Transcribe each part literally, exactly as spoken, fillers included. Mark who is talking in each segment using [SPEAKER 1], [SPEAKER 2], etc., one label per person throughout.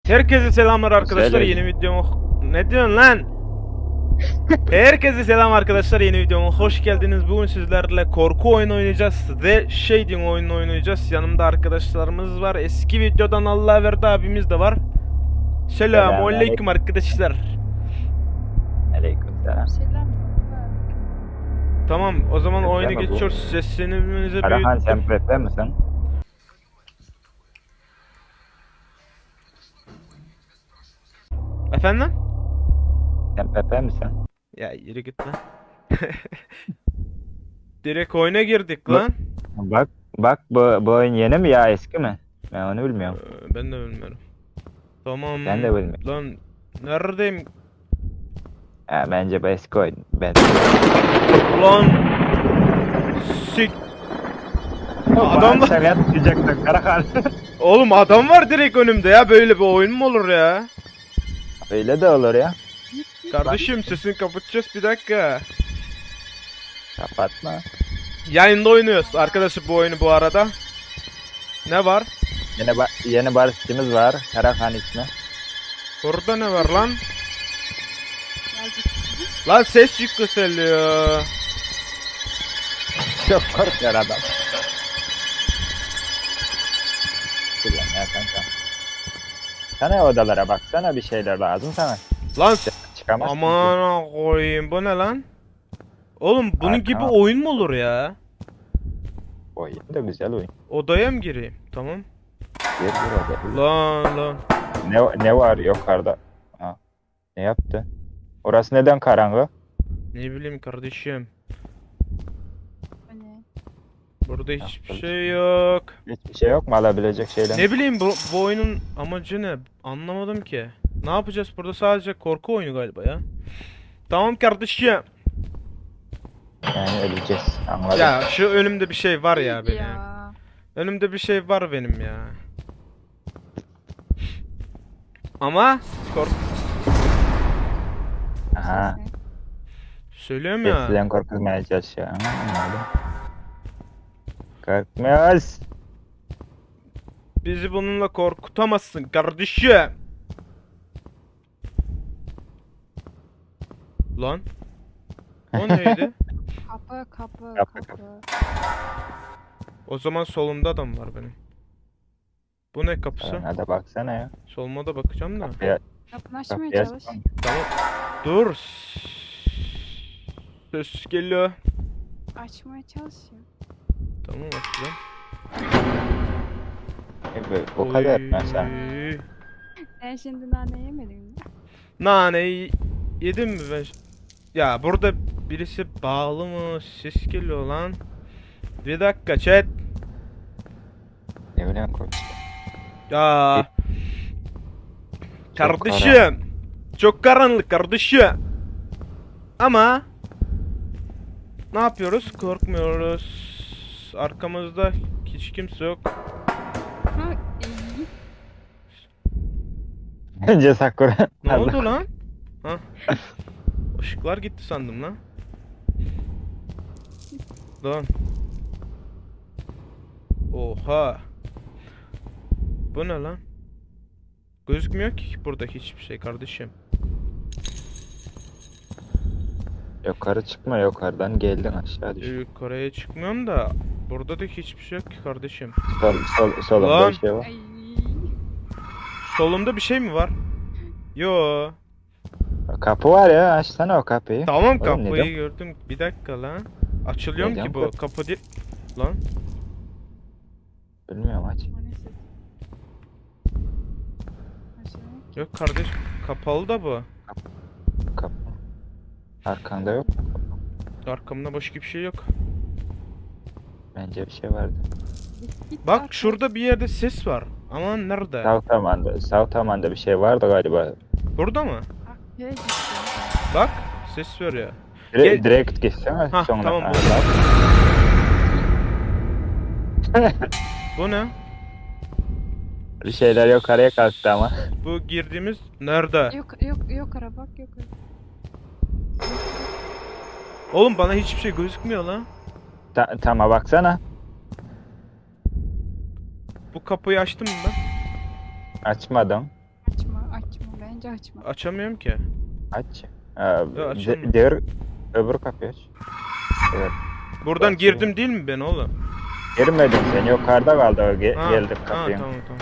[SPEAKER 1] Herkese selamlar arkadaşlar.
[SPEAKER 2] Söyle.
[SPEAKER 1] Yeni videoma... Ne diyorsun lan? Herkese selam arkadaşlar. Yeni videoma hoş geldiniz. Bugün sizlerle korku oyunu oynayacağız ve Shading oyunu oynayacağız. Yanımda arkadaşlarımız var. Eski videodan Allah verdi abimiz de var. Selamünaleyküm arkadaşlar.
[SPEAKER 2] Aleykümselam.
[SPEAKER 3] Selam.
[SPEAKER 1] Tamam, o zaman
[SPEAKER 2] Selam
[SPEAKER 1] oyunu
[SPEAKER 2] bu.
[SPEAKER 1] geçiyoruz. Seslenimizi
[SPEAKER 2] Karahan
[SPEAKER 1] büyüttüm.
[SPEAKER 2] sen Pepe misin?
[SPEAKER 1] Efendim?
[SPEAKER 2] Sen Pepe misin?
[SPEAKER 1] Ya yürü git lan. Direkt oyuna girdik lan.
[SPEAKER 2] Bak bak bu, bu oyun yeni mi ya eski mi? Ben onu bilmiyorum.
[SPEAKER 1] Ee, Ben de bilmiyorum. Tamam.
[SPEAKER 2] Ben de bilmiyorum.
[SPEAKER 1] Lan neredeyim?
[SPEAKER 2] Ha, bence bu eski oyun. Ben.
[SPEAKER 1] Ulan sik. Adam var.
[SPEAKER 2] Sen yatmayacaktın Karahan.
[SPEAKER 1] Oğlum adam var direkt önümde ya. Böyle bir oyun mu olur ya?
[SPEAKER 2] Öyle de olur ya.
[SPEAKER 1] Kardeşim sesini kapatacağız bir dakika.
[SPEAKER 2] Kapatma.
[SPEAKER 1] Yayında oynuyoruz arkadaşlar bu oyunu bu arada. Ne var?
[SPEAKER 2] Yeni, ba yeni barışçımız var. Karahan ismi.
[SPEAKER 1] Burada ne var lan?
[SPEAKER 3] Geldik.
[SPEAKER 1] Lan ses yükseliyor.
[SPEAKER 2] Çok korkuyor adam. Ulan ya kanka. Sana odalara baksana, bir şeyler lazım sana.
[SPEAKER 1] Lan
[SPEAKER 2] Çıkamazsın ki.
[SPEAKER 1] aman koyayım bu ne lan? Oğlum bunun
[SPEAKER 2] Arka-
[SPEAKER 1] gibi oyun mu olur ya?
[SPEAKER 2] Oyun da güzel oyun.
[SPEAKER 1] Odaya mı gireyim? Tamam.
[SPEAKER 2] Gir gir odaya.
[SPEAKER 1] Lan lan.
[SPEAKER 2] Ne, ne var yukarıda? Ha. Ne yaptı? Orası neden karanlık?
[SPEAKER 1] Ne bileyim kardeşim.
[SPEAKER 3] Bu ne?
[SPEAKER 1] Burada hiçbir
[SPEAKER 2] Yaptınız.
[SPEAKER 1] şey yok.
[SPEAKER 2] Hiçbir şey yok mu alabilecek şeyler?
[SPEAKER 1] Ne bileyim bu, bu oyunun amacı ne? Anlamadım ki. Ne yapacağız burada? Sadece korku oyunu galiba ya. Tamam kardeşim.
[SPEAKER 2] Yani öleceğiz. Anladım.
[SPEAKER 1] Ya şu önümde bir şey var ya benim.
[SPEAKER 3] Ya.
[SPEAKER 1] Önümde bir şey var benim ya. Ama kork
[SPEAKER 2] Aha.
[SPEAKER 3] Ses ne?
[SPEAKER 1] söylüyorum ya.
[SPEAKER 2] Seslen korkutmaya çalışıyor. Ha, anladım. Korkmuyoruz.
[SPEAKER 1] Bizi bununla korkutamazsın kardeşim. Lan. O neydi?
[SPEAKER 3] Kapı kapı
[SPEAKER 2] Kapı,
[SPEAKER 3] kapı.
[SPEAKER 1] O zaman solumda adam var benim. Bu ne kapısı?
[SPEAKER 2] Sana da baksana ya.
[SPEAKER 1] Soluma da bakacağım da.
[SPEAKER 2] Kapıya,
[SPEAKER 3] Kapını açmaya
[SPEAKER 2] kapıya
[SPEAKER 3] çalış.
[SPEAKER 1] Tamam. Dur. Ses geliyor.
[SPEAKER 3] Açmaya çalış ya.
[SPEAKER 1] Tamam açacağım.
[SPEAKER 2] Evet, o kadar mesela.
[SPEAKER 1] Oy.
[SPEAKER 3] Sen şimdi nane yemedin mi?
[SPEAKER 1] Naneyi yedim mi ben? Ya burada birisi bağlı mı? Ses geliyor lan. Bir dakika chat.
[SPEAKER 2] Ne bileyim korkuyor.
[SPEAKER 1] Ya
[SPEAKER 2] Çok
[SPEAKER 1] kardeşim. Çok karanlık kardeşim. Ama ne yapıyoruz? Korkmuyoruz. Arkamızda hiç kimse yok.
[SPEAKER 3] Ha iyi.
[SPEAKER 2] Önce Sakura.
[SPEAKER 1] Ne
[SPEAKER 2] Allah.
[SPEAKER 1] oldu lan? Ha. Işıklar gitti sandım lan. Lan. Oha. Bu ne lan? Gözükmüyor ki burada hiçbir şey kardeşim.
[SPEAKER 2] Yukarı çıkma, yukarıdan geldin aşağı düş.
[SPEAKER 1] Yukarıya çıkmıyorum da burada da hiçbir şey yok ki kardeşim.
[SPEAKER 2] Sol, sol, solunda
[SPEAKER 1] Lan.
[SPEAKER 2] bir şey var.
[SPEAKER 3] Ay.
[SPEAKER 1] Solumda bir şey mi var? Yo.
[SPEAKER 2] Kapı var ya, açsana o kapıyı.
[SPEAKER 1] Tamam
[SPEAKER 2] Oğlum,
[SPEAKER 1] kapıyı
[SPEAKER 2] neden?
[SPEAKER 1] gördüm. Bir dakika lan. Açılıyor mu
[SPEAKER 2] Neden
[SPEAKER 1] ki bu
[SPEAKER 2] kapı?
[SPEAKER 1] kapı değil? Lan.
[SPEAKER 2] Bilmiyorum, aç.
[SPEAKER 3] O ne ses? Aşağı.
[SPEAKER 1] Yok kardeş kapalı da bu.
[SPEAKER 2] Kapı. Arkanda yok.
[SPEAKER 1] Arkamda başka bir şey yok.
[SPEAKER 2] Bence bir şey vardı.
[SPEAKER 3] Git, git
[SPEAKER 1] Bak
[SPEAKER 3] arka-
[SPEAKER 1] şurada bir yerde ses var. Ama nerede?
[SPEAKER 2] Southampton'da, Southampton'da bir şey vardı galiba.
[SPEAKER 1] Burada mı?
[SPEAKER 3] Arkaya git ya.
[SPEAKER 1] Bak ses veriyor.
[SPEAKER 2] Dire
[SPEAKER 1] Gel-
[SPEAKER 2] Direkt gitsene
[SPEAKER 1] Hah,
[SPEAKER 2] sonra.
[SPEAKER 1] tamam,
[SPEAKER 2] Ha,
[SPEAKER 1] burada.
[SPEAKER 2] bak.
[SPEAKER 1] Bu ne?
[SPEAKER 2] Bir şeyler yukarıya kalktı ama.
[SPEAKER 1] Bu girdiğimiz nerede?
[SPEAKER 3] Yok yok yok ara bak yok ara.
[SPEAKER 1] Oğlum bana hiçbir şey gözükmüyor lan.
[SPEAKER 2] Ta tama baksana.
[SPEAKER 1] Bu kapıyı açtım mı ben?
[SPEAKER 2] Açmadım.
[SPEAKER 3] Açma. Bence açma.
[SPEAKER 1] Açamıyorum ki.
[SPEAKER 2] Aç. Ee,
[SPEAKER 1] açılmıyor.
[SPEAKER 2] de, diğer öbür kapıyı aç. Evet.
[SPEAKER 1] Buradan
[SPEAKER 2] Açılıyor.
[SPEAKER 1] girdim değil mi ben oğlum?
[SPEAKER 2] Girmedin sen yukarıda kaldı o ge
[SPEAKER 1] Ha,
[SPEAKER 2] geldik
[SPEAKER 1] ha,
[SPEAKER 2] kapıya.
[SPEAKER 1] tamam tamam.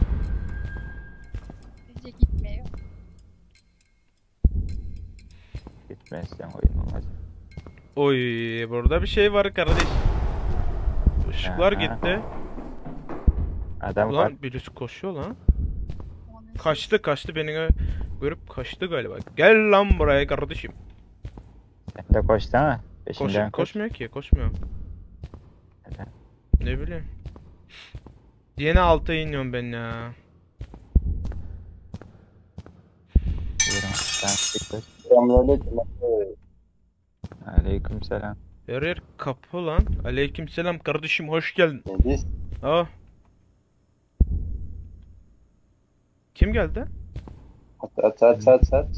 [SPEAKER 3] Bence gitmiyor.
[SPEAKER 2] Gitmezsen oyun olmaz.
[SPEAKER 1] Oy burada bir şey var kardeş. Işıklar
[SPEAKER 2] Aha.
[SPEAKER 1] gitti.
[SPEAKER 2] Adam var.
[SPEAKER 1] Ulan birisi koşuyor lan.
[SPEAKER 3] Onun
[SPEAKER 1] Kaçtı kaçtı beni gö- görüp kaçtı galiba. Gel lan buraya kardeşim.
[SPEAKER 2] Sen de koşsana.
[SPEAKER 1] Koş,
[SPEAKER 2] Peşinden koş.
[SPEAKER 1] koşmuyor ki koşmuyor.
[SPEAKER 2] Neden?
[SPEAKER 1] Ne bileyim. Yine alta iniyorum ben ya.
[SPEAKER 2] Buyurun. Sen de koş.
[SPEAKER 4] Selamünaleyküm.
[SPEAKER 2] Aleyküm selam.
[SPEAKER 1] Her yer kapı lan. Aleykümselam kardeşim hoş geldin.
[SPEAKER 4] Biz
[SPEAKER 1] Aa. Kim geldi?
[SPEAKER 4] at at at at at.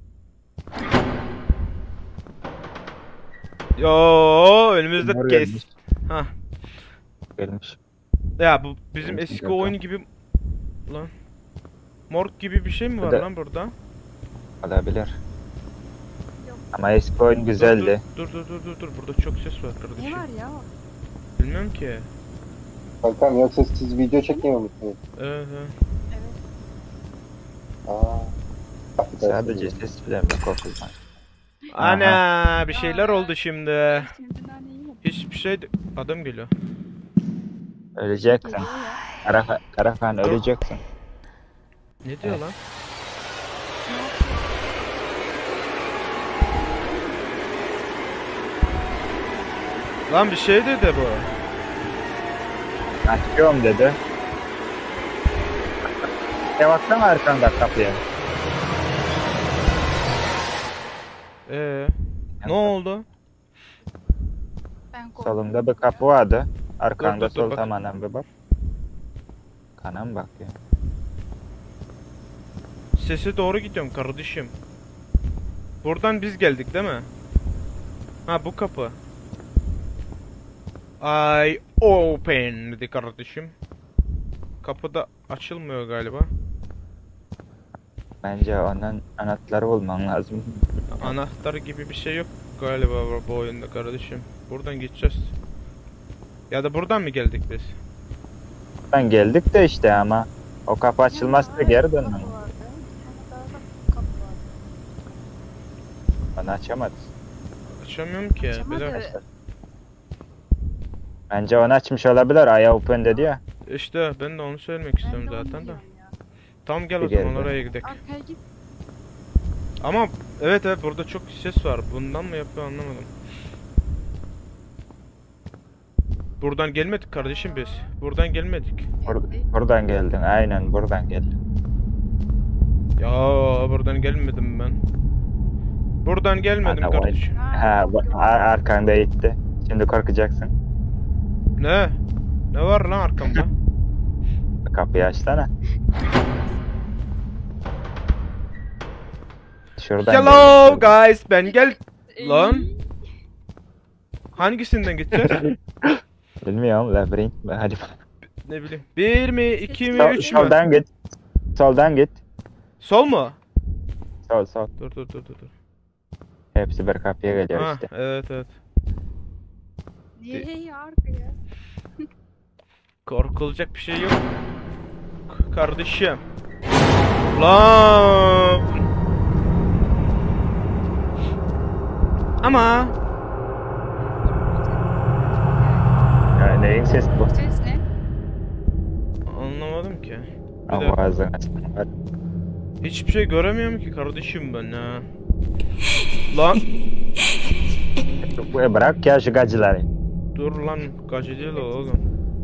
[SPEAKER 1] Yo önümüzde
[SPEAKER 2] Bunlar
[SPEAKER 1] kes.
[SPEAKER 2] gelmiş.
[SPEAKER 1] Ha.
[SPEAKER 2] Gelmiş.
[SPEAKER 1] Ya bu bizim
[SPEAKER 2] Gelmiş
[SPEAKER 1] eski
[SPEAKER 2] zaten.
[SPEAKER 1] oyun gibi lan. Morg gibi bir şey mi var
[SPEAKER 2] Burada-
[SPEAKER 1] lan burada?
[SPEAKER 2] Olabilir.
[SPEAKER 3] Yok.
[SPEAKER 2] Ama eski oyun güzeldi.
[SPEAKER 1] Dur dur dur dur dur burada çok ses var
[SPEAKER 3] Ne
[SPEAKER 1] kardeşim.
[SPEAKER 3] var ya?
[SPEAKER 1] Bilmiyorum ki.
[SPEAKER 4] Kankam yoksa siz video çekmiyor musunuz?
[SPEAKER 1] Evet, evet.
[SPEAKER 3] Evet.
[SPEAKER 4] Aa.
[SPEAKER 2] Sadece ses filan da korkulmaz.
[SPEAKER 1] Ana bir şeyler
[SPEAKER 3] Aa.
[SPEAKER 1] oldu şimdi.
[SPEAKER 3] Şimdi nane yemedim.
[SPEAKER 1] Hiçbir şey de- adam geliyor.
[SPEAKER 2] Öleceksin.
[SPEAKER 3] Geliyor ya.
[SPEAKER 2] Karakan, Karakan öleceksin.
[SPEAKER 1] Ne diyor
[SPEAKER 2] Evet.
[SPEAKER 1] lan?
[SPEAKER 3] Ne yapıyor?
[SPEAKER 1] Lan bir şey dedi bu.
[SPEAKER 2] Açıyorum dedi. Ya baksana arkanda kapıya.
[SPEAKER 1] Ee, ne oldu?
[SPEAKER 3] Ben korktum.
[SPEAKER 2] Solumda bir kapı vardı. Arkanda
[SPEAKER 1] Dur, dur, dur,
[SPEAKER 2] sol
[SPEAKER 1] bak.
[SPEAKER 2] tamamen bir bak. Kana mı bakıyor?
[SPEAKER 1] Sese doğru gidiyorum kardeşim. Buradan biz geldik değil mi? Ha bu kapı. I open dedi kardeşim. Kapı da açılmıyor galiba.
[SPEAKER 2] Bence onun anahtarı bulman lazım.
[SPEAKER 1] Anahtar gibi bir şey yok galiba bu- bu oyunda kardeşim. Buradan gideceğiz. Ya da buradan mı geldik biz?
[SPEAKER 2] Ben geldik de işte ama o kapı açılmazsa
[SPEAKER 3] Ya,
[SPEAKER 2] geri
[SPEAKER 3] kapı
[SPEAKER 2] dönmem.
[SPEAKER 3] vardı. Bir tane daha da kapı vardı.
[SPEAKER 2] Onu açamadı.
[SPEAKER 1] Açamıyorum ki. Bir
[SPEAKER 3] Açamadı.
[SPEAKER 1] dakika.
[SPEAKER 2] Bence onu açmış olabilir. Aya open dedi ya.
[SPEAKER 1] İşte ben de onu söylemek
[SPEAKER 3] Ben
[SPEAKER 1] istiyorum
[SPEAKER 3] de onu
[SPEAKER 1] zaten de.
[SPEAKER 3] diyorum ya.
[SPEAKER 1] Tamam gel o
[SPEAKER 2] Bir
[SPEAKER 1] zaman
[SPEAKER 2] geldi.
[SPEAKER 1] oraya gidelim.
[SPEAKER 3] Arkaya git.
[SPEAKER 1] Ama evet evet burada çok ses var. Bundan mı yapıyor anlamadım. Buradan gelmedik kardeşim biz. Buradan gelmedik.
[SPEAKER 2] Bur-
[SPEAKER 3] Geldi.
[SPEAKER 2] buradan geldin. Aynen buradan geldin.
[SPEAKER 1] Ya buradan gelmedim ben. Buradan gelmedim
[SPEAKER 2] Ana, vay.
[SPEAKER 1] kardeşim.
[SPEAKER 2] Ha, bu-
[SPEAKER 3] yok.
[SPEAKER 2] ar- arkanda gitti. Şimdi korkacaksın.
[SPEAKER 1] Ne? Ne var lan arkamda?
[SPEAKER 2] Kapıyı açsana. Şuradan
[SPEAKER 1] Hello
[SPEAKER 2] geldik.
[SPEAKER 1] guys ben gel. Lan.
[SPEAKER 3] Ey,
[SPEAKER 1] Hangisinden gideceğiz?
[SPEAKER 2] Bilmiyorum labirent mi? Hadi.
[SPEAKER 1] Ne bileyim. Bir mi, iki mi,
[SPEAKER 2] Sol,
[SPEAKER 1] üç mü?
[SPEAKER 2] soldan git. Soldan git.
[SPEAKER 1] Sol mu?
[SPEAKER 2] Sol sol.
[SPEAKER 1] Dur dur dur dur. dur.
[SPEAKER 2] Hepsi bir kapıya geliyor
[SPEAKER 1] Ha,
[SPEAKER 2] işte.
[SPEAKER 1] evet evet.
[SPEAKER 3] Niye ya arkaya?
[SPEAKER 1] Korkulacak bir şey yok. K- Kardeşim. Lan. Ama
[SPEAKER 2] Ya, neyin sesi bu?
[SPEAKER 3] Ses ne?
[SPEAKER 1] anlamadım ki. Bir
[SPEAKER 2] Ama
[SPEAKER 1] de
[SPEAKER 2] ağzını açma. Hadi.
[SPEAKER 1] hiçbir şey göremiyorum ki kardeşim ben ya. Lan
[SPEAKER 2] Bu- Bırak ya şu gacıları.
[SPEAKER 1] dur lan gacı değil o oğlum.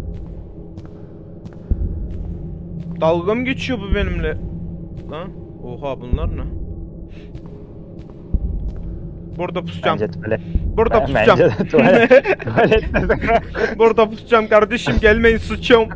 [SPEAKER 1] Dalga mı geçiyor bu benimle? Lan oha bunlar ne? Burada pusacağım.
[SPEAKER 2] Bence tuvalet.
[SPEAKER 1] Burada
[SPEAKER 2] Bence
[SPEAKER 1] pusacağım.
[SPEAKER 2] de tuvalet. Tuvalette
[SPEAKER 1] Burada pusacağım kardeşim gelmeyin sıçıyorum.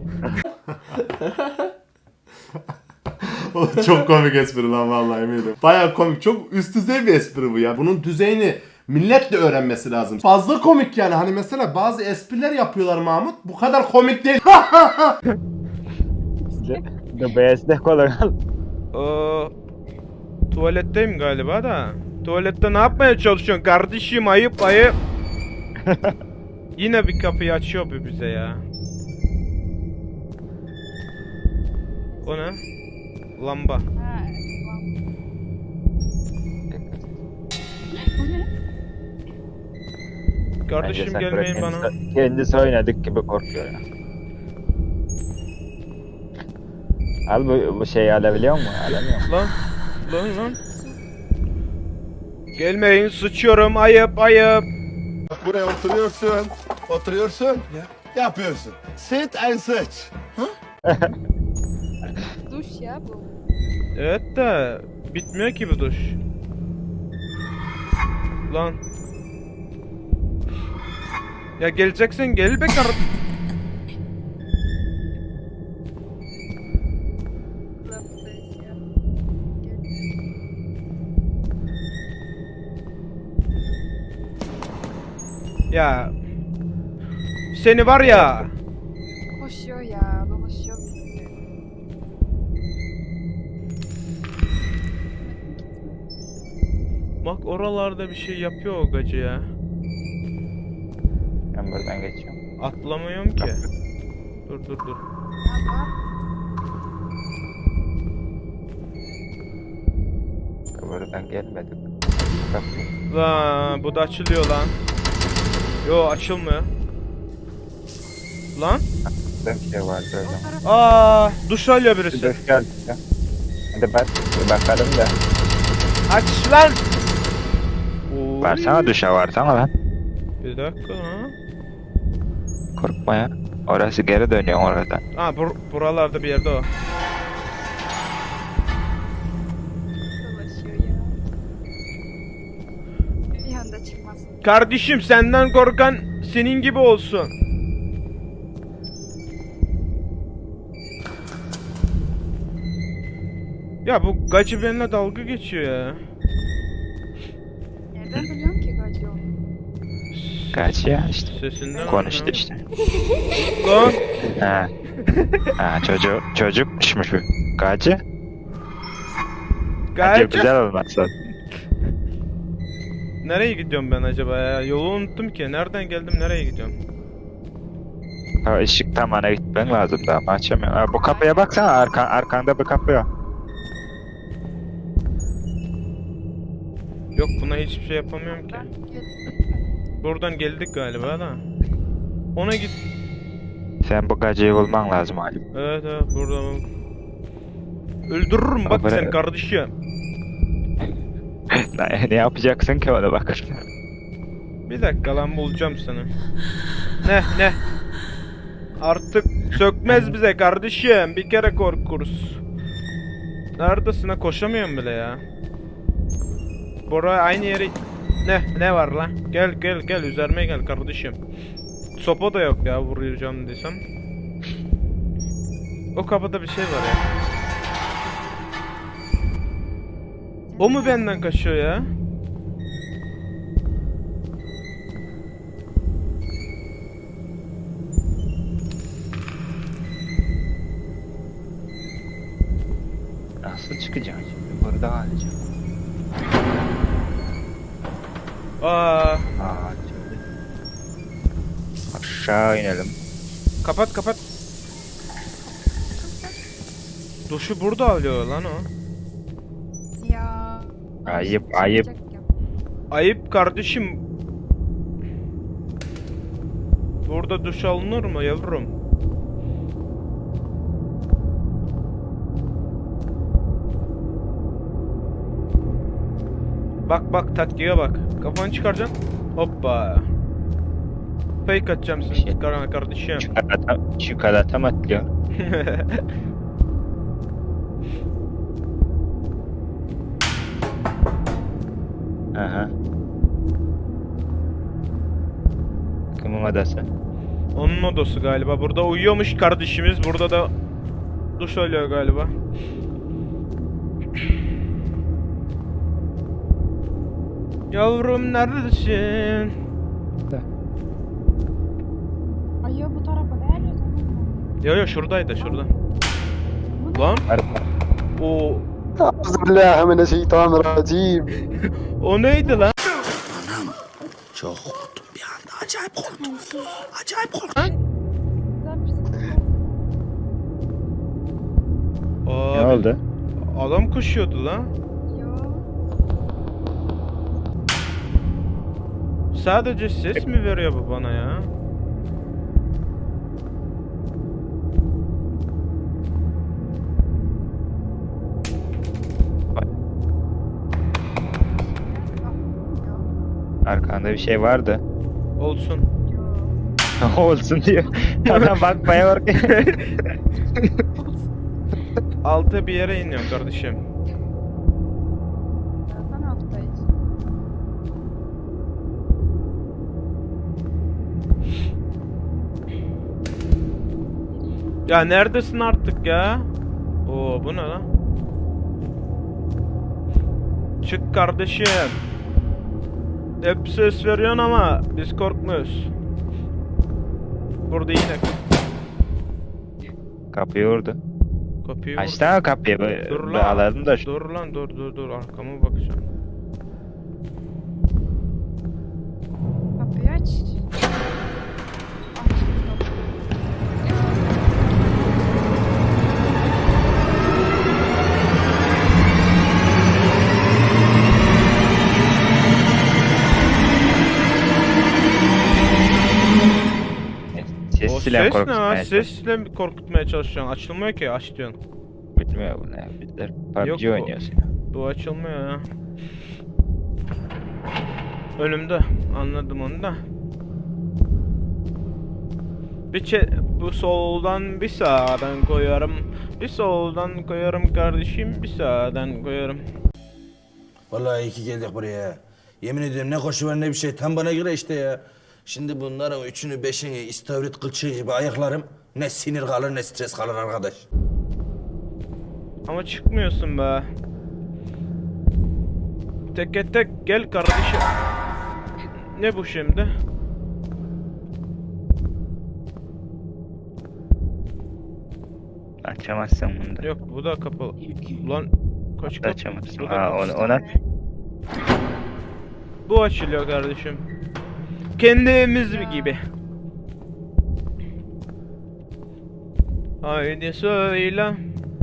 [SPEAKER 5] O çok komik espri lan vallahi eminim. Baya komik. Çok üst düzey bir espri bu ya. Bunun düzeyini millet de öğrenmesi lazım. Fazla komik yani. Hani mesela bazı espriler yapıyorlar Mahmut. Bu kadar komik değil.
[SPEAKER 2] The best de kolay.
[SPEAKER 1] Ee, Tuvaletteyim galiba da. Tuvalette ne yapmaya çalışıyorsun kardeşim? Ayıp ayıp. Yine bir kapıyı açıyor bu bize ya. O ne? Lamba.
[SPEAKER 3] Ha, tamam. Bu ne?
[SPEAKER 1] Kardeşim
[SPEAKER 2] Bence Sakura
[SPEAKER 1] gelmeyin bana.
[SPEAKER 2] kendisi, kendisi oynadık gibi korkuyor ya. Al bu, bu şeyi alabiliyor musun? Alamıyor musun?
[SPEAKER 1] Lan. Lan lan. Gelmeyin sıçıyorum ayıp ayıp.
[SPEAKER 6] Buraya oturuyorsun, oturuyorsun, yapıyorsun. Sit and search.
[SPEAKER 3] Duş ya bu.
[SPEAKER 1] Evet de bitmiyor ki bu duş. Lan. Ya geleceksin gel be kar.
[SPEAKER 3] Kulağımdayız ya. Gel.
[SPEAKER 1] Ya. Seni var ya.
[SPEAKER 3] Koşuyor ya, dolaşıyor bizi.
[SPEAKER 1] Bak oralarda bir şey yapıyor o gacı ya.
[SPEAKER 2] Ben buradan geçiyorum.
[SPEAKER 1] Atlamıyorum ki. Dur dur dur.
[SPEAKER 3] Ya bak,
[SPEAKER 2] Buradan gelmedik. Kapı.
[SPEAKER 1] Lan bu da açılıyor lan. Yo açılmıyor. Lan.
[SPEAKER 2] Burada bir şey vardı öyle.
[SPEAKER 3] o taraf
[SPEAKER 1] Aa duş alıyor
[SPEAKER 2] Bir
[SPEAKER 1] birisi.
[SPEAKER 2] dört geldi ya. Hadi bak, bir bakalım da.
[SPEAKER 1] Aç lan. Oy.
[SPEAKER 2] Varsana duşa varsana lan.
[SPEAKER 1] Bir dakika lan.
[SPEAKER 2] Korkma ya. Orası geri dönüyor oradan.
[SPEAKER 1] Ha bur buralarda bir yerde o.
[SPEAKER 3] dolaşıyor ya. Bir anda çıkmasın.
[SPEAKER 1] Kardeşim senden korkan senin gibi olsun. Ya bu gacı benimle dalga geçiyor ya.
[SPEAKER 3] Nereden biliyorum ki gacı yok?
[SPEAKER 2] Kaç ya işte.
[SPEAKER 1] Sesinden
[SPEAKER 2] Konuştu
[SPEAKER 1] anlıyorum.
[SPEAKER 2] işte.
[SPEAKER 1] Lan.
[SPEAKER 2] Ha. Ha çocuk çocukmuşmuş bu. Gacı. Gacı
[SPEAKER 1] Gacı.
[SPEAKER 2] güzel olmazsa.
[SPEAKER 1] Nereye gidiyorum ben acaba ya? Yolu unuttum ki. Nereden geldim nereye gidiyorum?
[SPEAKER 2] Ha ışık tam ana gitmen lazım da ama açamıyorum. Ha, bu kapıya baksana arkan, arkanda bir kapı yok.
[SPEAKER 1] Yok buna hiçbir şey yapamıyorum ki.
[SPEAKER 3] Ben geldim.
[SPEAKER 1] Buradan geldik galiba da. Ona git.
[SPEAKER 2] Sen bu gacıyı bulman lazım Ali.
[SPEAKER 1] Evet evet burada bak. Öldürürüm bak
[SPEAKER 2] Ama
[SPEAKER 1] sen
[SPEAKER 2] ne-
[SPEAKER 1] kardeşim.
[SPEAKER 2] ne, ne yapacaksın ki ona bak.
[SPEAKER 1] Bir dakika lan bulacağım seni. Ne ne? Artık sökmez bize kardeşim. Bir kere korkuruz. Neredesin ha? Koşamıyorum bile ya. Bora aynı yeri... Ne? Ne var lan? Gel gel gel üzerime gel kardeşim. Sopa da yok ya vuracağım desem. O kapıda bir şey var ya. O mu benden kaçıyor ya?
[SPEAKER 2] Nasıl çıkacağım şimdi? Burada alacağım.
[SPEAKER 1] Aa,
[SPEAKER 2] Aa, şimdi. Aşağı inelim.
[SPEAKER 1] kapat kapat. Duşu burada alıyor lan o.
[SPEAKER 3] Ya.
[SPEAKER 2] Ayıp, ayıp.
[SPEAKER 3] Çıkacak ya.
[SPEAKER 1] Ayıp kardeşim. Burada duş alınır mı yavrum? Bak bak taktiğe bak. Kafanı çıkaracaksın. Hoppa. Fake atacağım seni
[SPEAKER 2] Şey.
[SPEAKER 1] çıkarana kardeşim.
[SPEAKER 2] Çikolata, çikolata mı atlıyor? Aha. Kimin odası?
[SPEAKER 1] Onun odası galiba. Burada uyuyormuş kardeşimiz. Burada da duş alıyor galiba. Yavrum neredesin?
[SPEAKER 3] Ay ya bu tarafa ne arıyorsun?
[SPEAKER 1] Yo yo şuradaydı şurada. Lan
[SPEAKER 2] Arka.
[SPEAKER 1] o
[SPEAKER 4] Euzubillahimineşşeytanirracim.
[SPEAKER 1] O neydi lan?
[SPEAKER 3] Güzel bir şey.
[SPEAKER 1] Abi,
[SPEAKER 2] Ne oldu?
[SPEAKER 1] adam koşuyordu lan.
[SPEAKER 3] Ya.
[SPEAKER 1] Sadece ses mi veriyor bu bana ya?
[SPEAKER 2] Arkanda bir şey vardı.
[SPEAKER 1] Olsun.
[SPEAKER 2] Olsun diyor. Adam bakmaya bak.
[SPEAKER 1] Alta bir yere iniyorum kardeşim.
[SPEAKER 3] Sen hafta içi.
[SPEAKER 1] Ya neredesin artık ya? Oo bu ne lan? Çık kardeşim. Hep ses veriyorsun ama biz korkmuyoruz. Burada yine
[SPEAKER 2] Kapıyı vurdu.
[SPEAKER 1] kapıyı vur.
[SPEAKER 2] Açsana kapıyı.
[SPEAKER 1] Dur lan.
[SPEAKER 2] Bağladım da. şu-
[SPEAKER 1] Dur lan dur dur dur arkama bakacağım.
[SPEAKER 3] Kapıyı aç. Aç.
[SPEAKER 2] Ses
[SPEAKER 1] O
[SPEAKER 2] silah
[SPEAKER 1] ses ne
[SPEAKER 2] korkutmaya
[SPEAKER 1] lan?
[SPEAKER 2] çalışıyor.
[SPEAKER 1] Sesle mi korkutmaya çalışıyorsun? Açılmıyor ki aç diyorsun.
[SPEAKER 2] Bilmiyor bu ne. Bizler P U B G
[SPEAKER 1] Yok bu.
[SPEAKER 2] oynuyorsun.
[SPEAKER 1] Bu açılmıyor ya. Önümde. Anladım onu da. Bir çe bu soldan bir sağdan koyarım. Bir soldan koyarım kardeşim, bir sağdan koyarım.
[SPEAKER 7] Vallahi iyi ki geldik buraya. Yemin ediyorum ne koşu var ne bir şey. Tam bana göre işte ya. Şimdi bunların üçünü beşini istavrit kılçığı gibi ayaklarım. Ne sinir kalır ne stres kalır arkadaş.
[SPEAKER 1] Ama çıkmıyorsun be. Teke tek gel kardeşim. Ne bu şimdi?
[SPEAKER 2] Açamazsın bunu da.
[SPEAKER 1] Yok bu da kapalı. Ulan kaç kapı?
[SPEAKER 2] Açamazsın.
[SPEAKER 1] Bu da
[SPEAKER 2] Aa,
[SPEAKER 1] kapalı.
[SPEAKER 2] onu, ona
[SPEAKER 1] Bu açılıyor kardeşim. Kendi evimiz gibi. Haydi söyle.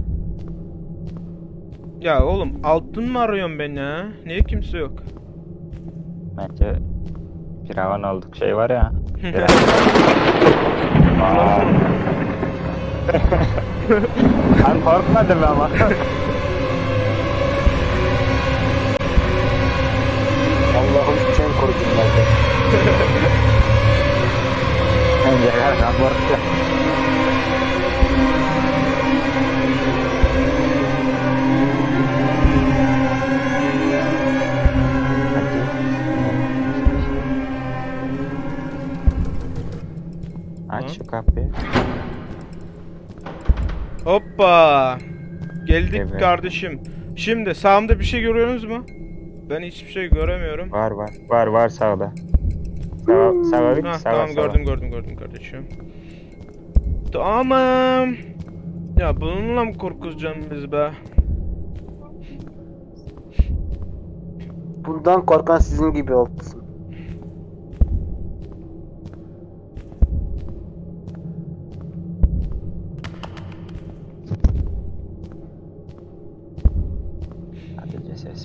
[SPEAKER 1] Ya oğlum altın mı arıyorsun beni ha? Niye kimse yok?
[SPEAKER 2] bence Firavun olduk şey var ya. Aa. Ben korkmadım ama.
[SPEAKER 4] Allah'ım sen koru bunları.
[SPEAKER 2] Bence her korktu. Aç şu kapıyı.
[SPEAKER 1] Hoppa. Geldik
[SPEAKER 2] Evet.
[SPEAKER 1] kardeşim. Şimdi sağımda bir şey görüyorsunuz mu? Ben hiçbir şey göremiyorum.
[SPEAKER 2] Var var. Var var sağda. Sağa, sağa git.
[SPEAKER 1] Ha,
[SPEAKER 2] Sağa,
[SPEAKER 1] tamam
[SPEAKER 2] sağa.
[SPEAKER 1] gördüm gördüm gördüm kardeşim. Tamam. Ya bununla mı korkutacağım biz be?
[SPEAKER 4] Bundan korkan sizin gibi olsun.
[SPEAKER 2] Sadece ses.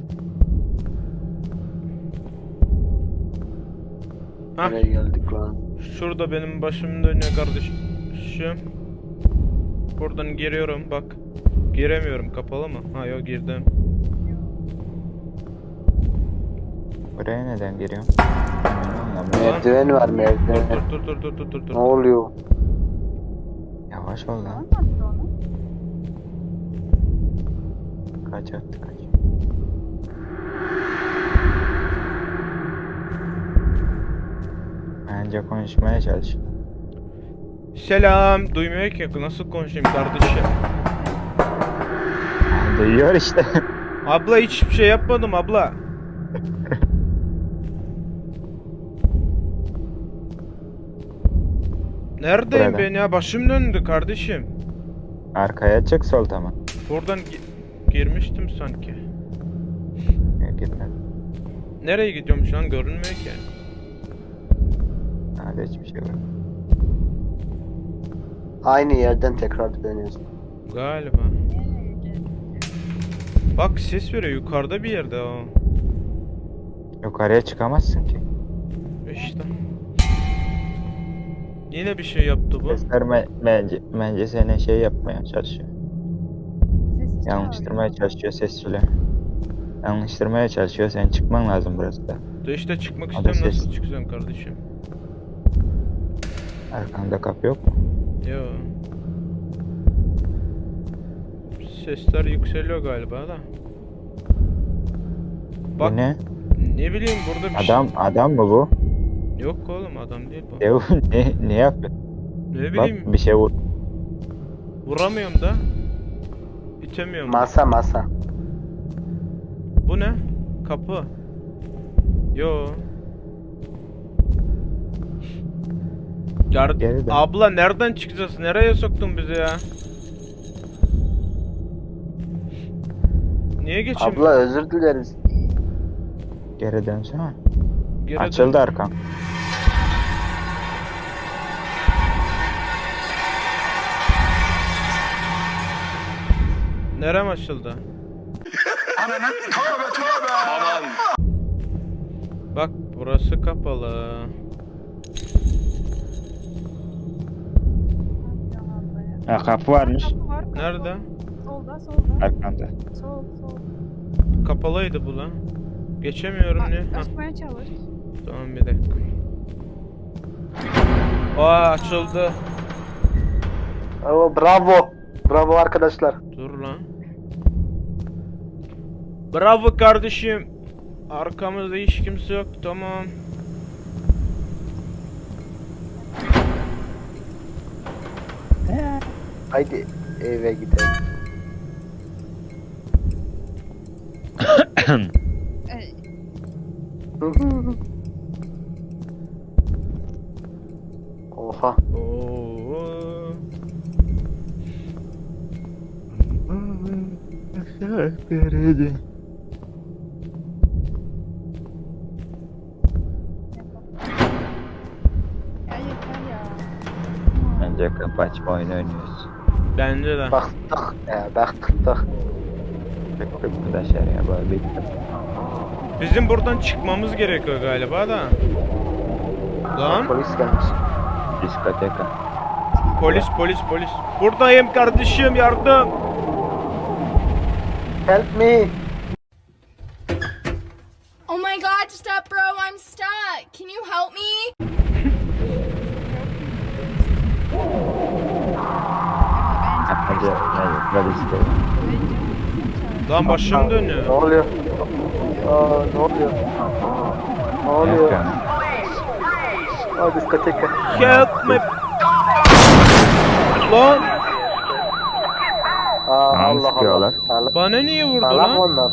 [SPEAKER 1] Ha,
[SPEAKER 4] Nereye geldik lan?
[SPEAKER 1] şurada benim başım dönüyor kardeşim. Buradan giriyorum bak. Giremiyorum kapalı mı? Ha yok girdim.
[SPEAKER 2] Buraya neden giriyorsun? Anlamadım.
[SPEAKER 4] Merdiven var merdiven.
[SPEAKER 1] Dur dur dur dur dur dur
[SPEAKER 4] Ne
[SPEAKER 1] dur.
[SPEAKER 4] oluyor?
[SPEAKER 2] Yavaş ol lan.
[SPEAKER 3] Olmadı onu.
[SPEAKER 2] Kaç attı kaç. Bence konuşmaya çalış.
[SPEAKER 1] Selam. Duymuyor ki nasıl konuşayım kardeşim?
[SPEAKER 2] Duyuyor işte.
[SPEAKER 1] Abla hiçbir şey yapmadım abla. Neredeyim
[SPEAKER 2] Burada.
[SPEAKER 1] ben ya? Başım döndü kardeşim.
[SPEAKER 2] Arkaya çık sol tamam.
[SPEAKER 1] Buradan gi- Girmiştim sanki.
[SPEAKER 2] Yok gitmedi.
[SPEAKER 1] Nereye gidiyorum şu an görünmüyor ki.
[SPEAKER 2] Hadi hiçbir şey yok.
[SPEAKER 4] Aynı yerden tekrar dönüyorsun.
[SPEAKER 1] Galiba. Bak ses veriyor yukarıda bir yerde o.
[SPEAKER 2] Yukarıya çıkamazsın ki.
[SPEAKER 1] İşte. Yine bir şey yaptı bu.
[SPEAKER 2] Sesler me- bence, bence seni şey yapmaya çalışıyor.
[SPEAKER 3] Sesi
[SPEAKER 2] Yanlıştırmaya çalışıyor sesçiyle. Yanlıştırmaya çalışıyor. Senin çıkman lazım burası da.
[SPEAKER 1] De işte çıkmak
[SPEAKER 2] Hadi
[SPEAKER 1] istem nasıl
[SPEAKER 2] ses.
[SPEAKER 1] çıkacağım kardeşim?
[SPEAKER 2] Arkanda kapı yok mu?
[SPEAKER 1] Yo. Sesler yükseliyor galiba da. Bak
[SPEAKER 2] Bu ne?
[SPEAKER 1] ne bileyim burada bir
[SPEAKER 2] Adam adam mı bu?
[SPEAKER 1] şey. Yok oğlum adam değil bu.
[SPEAKER 2] Ne, ne, ne yapıyor?
[SPEAKER 1] Ne
[SPEAKER 2] Bak
[SPEAKER 1] bileyim
[SPEAKER 2] bir şey vur.
[SPEAKER 1] vuramıyorum da. İtemiyorum.
[SPEAKER 4] Masa masa.
[SPEAKER 1] Bu ne? Kapı. Yo. Yar
[SPEAKER 2] Geri dön.
[SPEAKER 1] Abla nereden çıkacağız? Nereye soktun bizi ya? Niye geçeyim?
[SPEAKER 4] Abla özür dileriz.
[SPEAKER 2] Geri dönsene.
[SPEAKER 1] Geri
[SPEAKER 2] Açıldı
[SPEAKER 1] dön.
[SPEAKER 2] arkan.
[SPEAKER 1] Nerem açıldı? Bak burası kapalı.
[SPEAKER 2] Ha, kapı varmış.
[SPEAKER 3] Kapı var, kapı
[SPEAKER 1] Nerede?
[SPEAKER 3] var. Solda, solda.
[SPEAKER 2] Arkanda.
[SPEAKER 3] Sol, sol.
[SPEAKER 1] Kapalıydı bu lan. Geçemiyorum
[SPEAKER 3] Bak,
[SPEAKER 1] ne? Hah,
[SPEAKER 3] açmaya çalış.
[SPEAKER 1] tamam bir dakika. Aa açıldı.
[SPEAKER 4] Oo, bravo. Bravo arkadaşlar.
[SPEAKER 1] Dur lan. Bravo kardeşim. Arkamızda hiç kimse yok. Tamam.
[SPEAKER 4] Haydi eve gidelim.
[SPEAKER 3] Ey,
[SPEAKER 4] Oha.
[SPEAKER 1] Oo.
[SPEAKER 3] ya yeter ya.
[SPEAKER 2] Bence kapı açma oyunu oynuyoruz.
[SPEAKER 1] Bence de.
[SPEAKER 4] Baktık. Ya baktık.
[SPEAKER 2] Bekle bu da şey ya böyle bekle.
[SPEAKER 1] Bizim buradan çıkmamız gerekiyor galiba da. Lan
[SPEAKER 4] Polis gelmiş.
[SPEAKER 2] Diskoteka.
[SPEAKER 1] polis polis polis. Buradayım kardeşim yardım.
[SPEAKER 4] Help me.
[SPEAKER 8] Oh my god, stop, bro, I'm stuck. Can you help me?
[SPEAKER 2] Hadi hadi hadi işte.
[SPEAKER 1] Lan başım
[SPEAKER 4] Ne
[SPEAKER 1] dönüyor.
[SPEAKER 4] oluyor? Aa, ne oluyor? Ne oluyor?
[SPEAKER 2] Yok
[SPEAKER 4] Aa, diskoteka.
[SPEAKER 1] Help me. Lan
[SPEAKER 4] Aa,
[SPEAKER 2] Tamam,
[SPEAKER 4] Allah
[SPEAKER 2] sıkıyorlar.
[SPEAKER 4] Allah. Allah.
[SPEAKER 1] bana niye vurdu
[SPEAKER 4] Sağlam
[SPEAKER 1] lan?
[SPEAKER 4] onlar.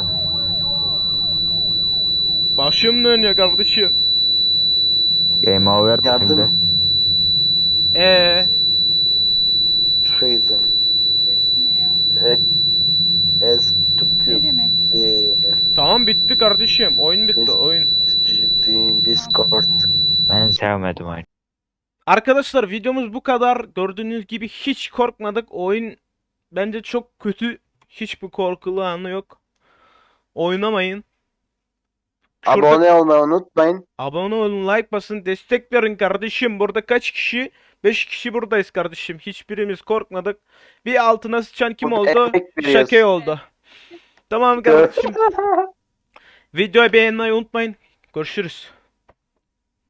[SPEAKER 1] Başım dönüyor kardeşim.
[SPEAKER 2] Game over mu
[SPEAKER 4] Yardım.
[SPEAKER 2] şimdi?
[SPEAKER 1] Ee,
[SPEAKER 4] Şeydi.
[SPEAKER 3] Ses ne ya?
[SPEAKER 4] E, es
[SPEAKER 3] Ne
[SPEAKER 4] tükü.
[SPEAKER 3] demek?
[SPEAKER 1] tamam bitti kardeşim. Oyun bitti oyun.
[SPEAKER 4] Discord.
[SPEAKER 2] Ben sevmedim oyunu.
[SPEAKER 1] Arkadaşlar videomuz bu kadar. Gördüğünüz gibi hiç korkmadık. Oyun bence çok kötü. Hiçbir korkulu anı yok. Oynamayın. Şurada
[SPEAKER 4] Abone olmayı unutmayın.
[SPEAKER 1] abone olun, like basın, destek verin kardeşim. Burada kaç kişi? beş kişi buradayız kardeşim. Hiçbirimiz korkmadık. Bir altına sıçan kim
[SPEAKER 4] Burada
[SPEAKER 1] oldu?
[SPEAKER 4] emek veriyoruz.
[SPEAKER 1] Şake oldu. Tamam kardeşim. Videoyu beğenmeyi unutmayın. Görüşürüz.